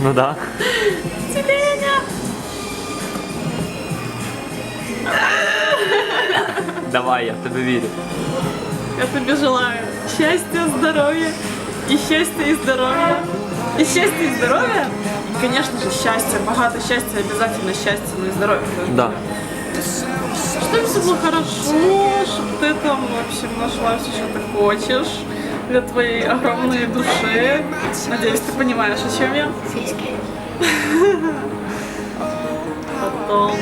Ну да. Тюленя! Давай, я в тебе вірю. Я тебе желаю счастья, здоровья, и счастья, и здоровья, и счастья, и здоровья. И, конечно же, счастья, богато счастья, обязательно счастье, но и здоровье тоже. Да. Чтобы все было хорошо, чтобы ты там, в общем, нашла все, что ты хочешь для твоей огромной души. Надеюсь, ты понимаешь, о чем я. Потом...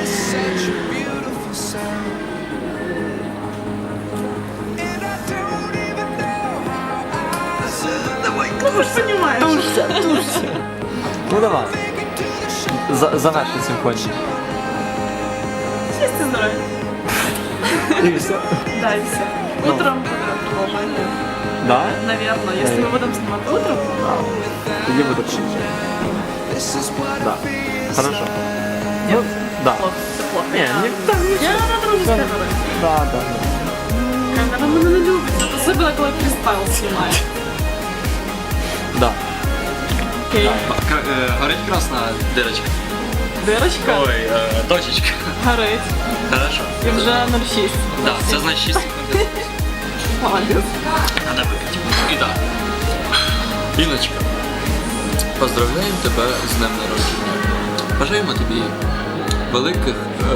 Ну, вы же понимаете. Тушься. Ну давай. Заверши симфонію. Счастье, здоровье. І все. Да, и все. Утром будем продолжать. Да? Наверное, если мы будем снимать утром, Тоді буде круто. Да. Хорошо. Ну, да. плохо, все плохо. Не, Я надо с камерой. Да. Камера мене не любить, особенно коли фристайл знімає. Да. Окей. Горить красна дырочка. Дирочка Ой, точечка. горить. Хорошо. І вже 0,6. Да, це значить 6 секунд. Молодець. Надо випити. І так. Іночка, поздравляємо тебе з днем народження. Бажаємо тобі великих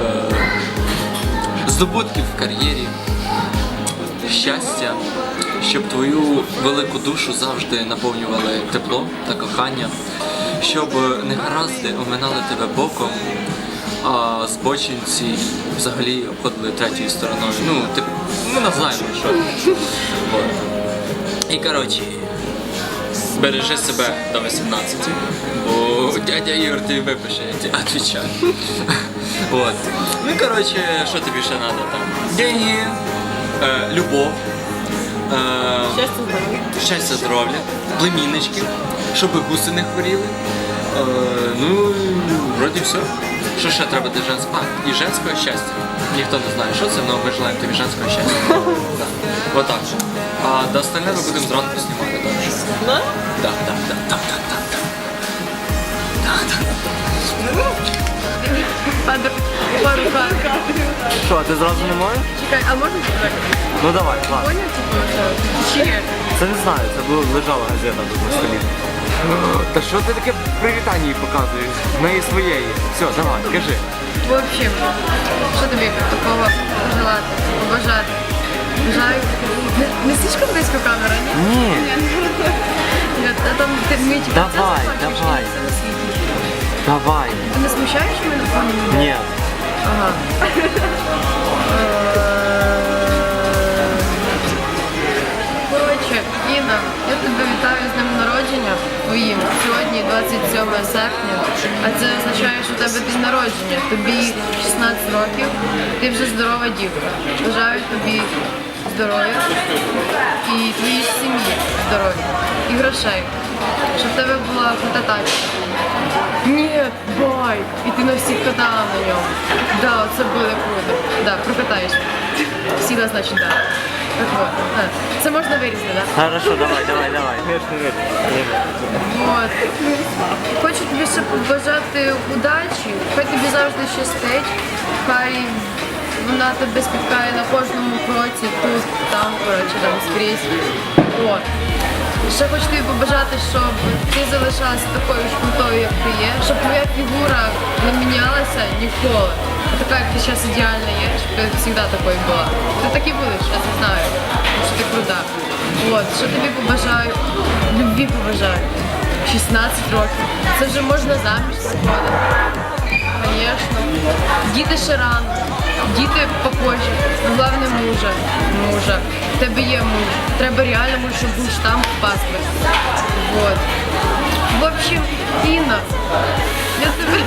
здобутків в кар'єрі, щастя, щоб твою велику душу завжди наповнювали тепло та кохання, щоб негаразди оминали тебе боком, а збочинці взагалі обходили третьою стороною. Ну, ми не знаємо, що. От. І коротше, бережи себе до 18, бо дядя Ігор тобі випише, я тебе відповідаю. От. Ну і коротше, що тобі ще треба там? Деньги, любов, Щастя, здоров'я. щастя, здоров'я, племіннички, щоб гуси не хворіли. Ну, вроді все. Що ще треба для женського? І женського щастя. Ніхто не знає, що це, але ми желаємо тобі женського щастя. Так. Отак. А до остальне ми будемо зранку знімати. Так що. Да? Так. Що, ти зразу не можеш? Чекай, а можна так? Ну давай, ладно. Поняв, типу, чи ні? Це не знаю, це лежала газета тут на столі. Та що ти таке привітання їй показуєш? В неї своєї. Все, давай, кажи. В общем, що тобі такого пожелати, побажати? Бажаю. Не слишком близько камера, ні? Ні. Ні, а там ти мені типу, Давай, це захочеш, давай. і все на світі. Давай. Ти не смущаєш мене на фоні мене? Ні. Ага. Коротше, Інна, я тебе вітаю з днем народження твоїм. Сьогодні 27 серпня, а це означає, що у тебе день народження. Тобі 16 років, ти вже здорова дівка. Бажаю тобі здоров'я і твоїй сім'ї здоров'я і грошей. Щоб в тебе була фототачка. Ні, байк! І ти на всіх катала на ньому. Да, це буде круто. Да, прокатаєш. Всіда, значить, да. Так от. Це можна вирізати, да? Хорошо, давай. От. Хочу тобі ще побажати удачі. Хай тобі завжди щастить. Хай вона тебе спіткає на кожному кроці, тут, там, коротше, там скрізь. От. Ще хочу тобі побажати, щоб ти залишалася такою ж крутою, як ти є, щоб твоя фігура не мінялася ніколи. Така, як ти зараз ідеальна є, щоб ти завжди такою була. Ти так і будеш, я це знаю, що ти крута. От, що тобі побажаю, любві побажаю. 16 років. Це вже можна заміж виходити. Звісно. Діти ще рано. Діти попозже. Головне мужа. В тебе є муж. Треба реально муж, щоб був штамп в паспорті. Вот. В общем, Інна, я тебе...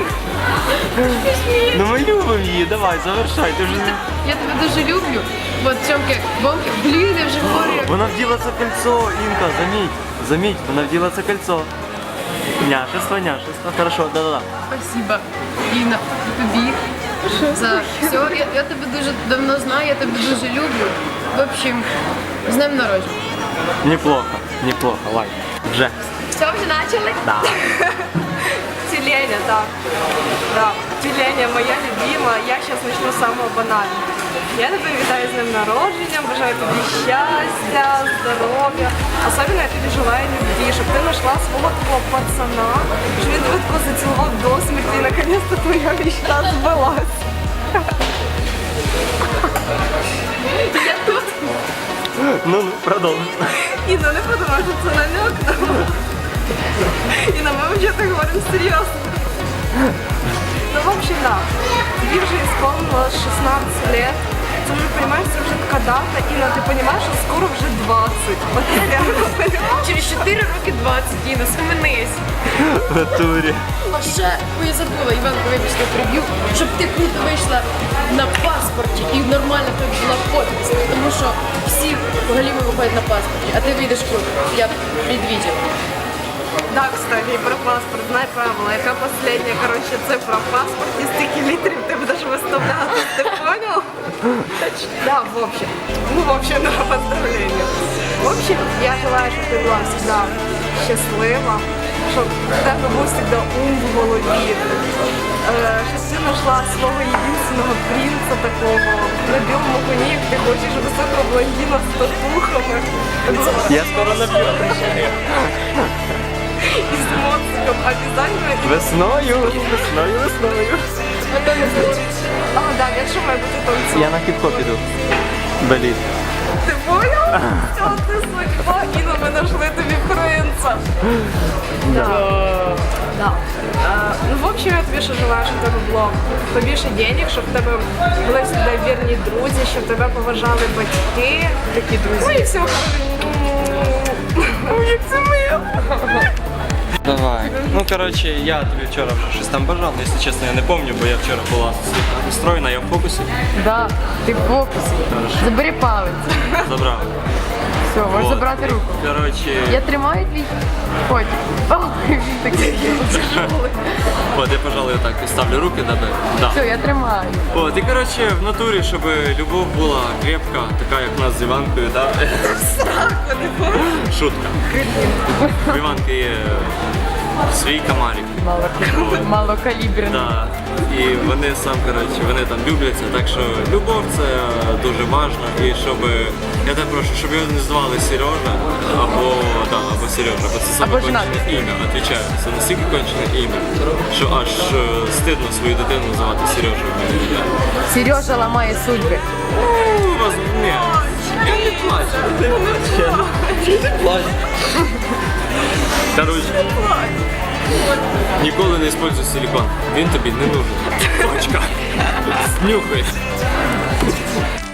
Ну ми любимо її, давай, завершай. Ти вже не... Я тебе дуже люблю. Вот, цьомки, бомки. Блін, я вже говорю. Вона вділа це кольцо, Інка, заміть, вона вділа це кольцо. Няшество. Хорошо, да. Спасибо, Інна, тобі. За все. Я тебе дуже давно знаю, я тебе дуже люблю. В общем, з днем народження. Неплохо, лайк. Вже. Все, вже почали? Да. так. Да. Деление моя любимая. Я сейчас начну с самого банального. Я тебе вітаю з днем народження, бажаю тобі щастя, здоров'я. Особливо я тобі желаю любви, щоб ти знайшла свого такого пацана, щоб він тебе тако зацілував до смерті і наконец-то твоя мечта збилась. Я тут. Ну, продовжуй. Інна, не подумай, що це намек. Інна, ми взагалі говоримо серйозно. Ну, в общем, да. Тебе уже исполнилось 16 лет. Ты уже понимаешь, это уже такая дата, Инна, ты понимаешь, что скоро уже 20. Вот я реально понимаю. Через 4 роки 20, Інна, схаменись. В натурі. А ще, я забула, Іванка, вибачте, приб'ю, щоб ти круто вийшла на паспорті і нормально в тебе була подпись, тому що всі галіми виходять на паспорті, а ти вийдеш круто, як предвидела. Да, кстати, и про паспорт. Знай правила, яка последняя, короче, цифра в паспорті, стільки літрів ти будеш виставляти, ти понял? Да, в общем. Ну, в общем, да, поздравления. В общем, я желаю, щоб ти була всегда щаслива, щоб в тебе був всегда ум в голові, щоб ти знайшла свого єдиного принца такого на білому коні, як ти хочеш, високого блондина з татухами. Я скоро наб'ю. И с моциком обязательно. Весною. А, да, якщо має бути танцювати. Я на хіп-хоп іду. Боліт. Ти понял? Все, ти судьба. Інна, ми знайшли тобі принца. Да. Ну, в общем, я тобі ще желаю, щоб в тебе було побільше денег, щоб в тебе були завжди вірні друзі, щоб тебе поважали батьки. Такі друзі. Ну і все. Як це моє. Давай. Ну, коротше, я тобі вчора вже щось там бажав, але, якщо чесно, я не пам'ятаю, бо я вчора була настроєна, я в фокусі. Да, ти в фокусі. Забери палець. Забрав. Все, можеш От. забрати руку. Коротше, Я тримаю твій котик. Ой, він такий. от я, пожалуй, отак ставлю руки на тебе. Да. Все, я тримаю. От, і коротше, в натурі, щоб любов була крепка, така як в нас з Іванкою, да? Шутка. У Іванки є свій комарик. Малокаліберний. Да. І вони вони там любляться, так що любов це дуже важливо. І щоб, я тебе прошу, щоб його не звали Сережа, або Сережа, бо це саме Або кончене женатий. ім'я, відповідаю. Це настільки кончене ім'я, що аж стидно свою дитину називати Сережею. Сережа ламає судьби. Ні, я не плачу. Я не плачу. Короче, ніколи не используй силикон. Він тобі не нужен. Точка. Снюхай.